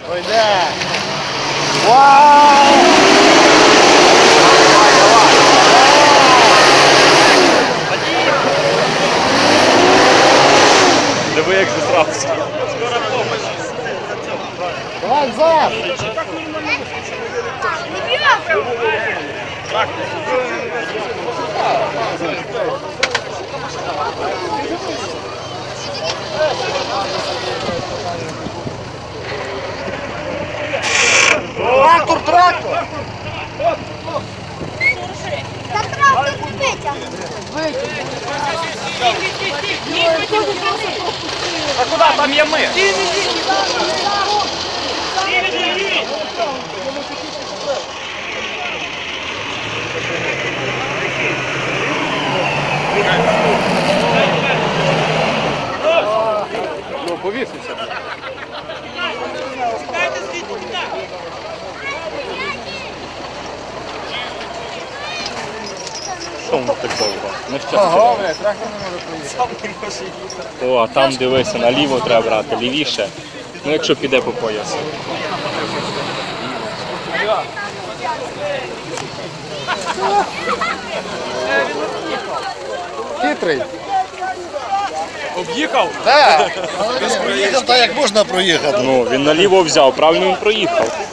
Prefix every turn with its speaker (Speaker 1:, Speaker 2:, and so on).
Speaker 1: Пойде. Вау!
Speaker 2: Диви, як зісрався.
Speaker 1: Давай, Зав! Трактор, трактор!
Speaker 3: Та трактор не витягне.
Speaker 2: А куди? Там є ми. Ну, повісився. Що воно так довго? Не
Speaker 1: Ого,
Speaker 2: щастя.
Speaker 1: трактор не може поїхати.
Speaker 2: О, а там дивися, наліво треба брати, лівіше. Ну, якщо піде по поясу.
Speaker 1: Хитрий.
Speaker 2: Об'їхав?
Speaker 1: Так. Він проїхав так, як можна проїхати.
Speaker 2: Ну, він наліво взяв, правильно він проїхав.